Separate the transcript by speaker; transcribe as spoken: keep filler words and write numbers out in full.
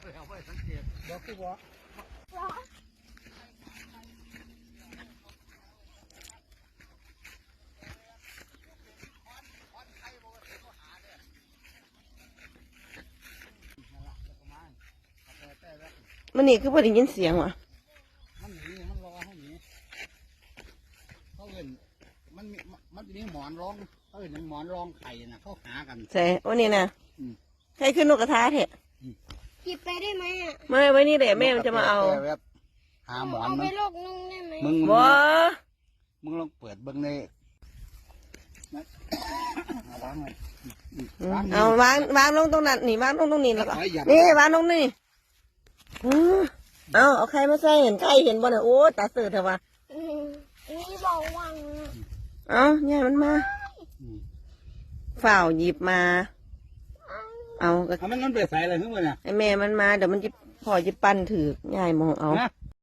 Speaker 1: บอกกูบอก
Speaker 2: มันนี่คือพอได้ยินเสียงวะ
Speaker 1: มันหนีมันรอให้หนีเขาเห็นมันมันจะมีหมอนรองเขาเห็นหมอนรองไข่น่ะเขาหากัน
Speaker 2: ใช่วันนี้นะใครขึ้นนกกระทาเถอะ
Speaker 3: หยิบไปได้ไหมอ่ะ
Speaker 2: ไม่ไว้นี่แหละแม่มันจะมาเอา
Speaker 1: หาหมอน
Speaker 3: เอา
Speaker 1: มั
Speaker 3: ไป
Speaker 1: น
Speaker 3: โลกนึงได้ไหม
Speaker 1: มึง
Speaker 2: บ่
Speaker 1: มึงลองเปิดเบิ้งในวางเลย
Speaker 2: เอาวางวางลงตรงนั้นนี่วางลงตรงนี้แล้วก็นี่วางลงนี่เอาเอาใครมาใส่เห็นใครเห็นบ่เนี่ยโอ้ตาเสือเถอะวะ
Speaker 3: นี่บอกวัง
Speaker 2: เอาเนี่ยมันมาฝ่าวหยิบมาเอาก็
Speaker 1: มันนั่นไปใส่อะไรขึ้นมาเนี่ย
Speaker 2: ไอแม่มันมาเดี๋ยวมันจะพอจะปั้นถือยายมองเอา
Speaker 1: นะ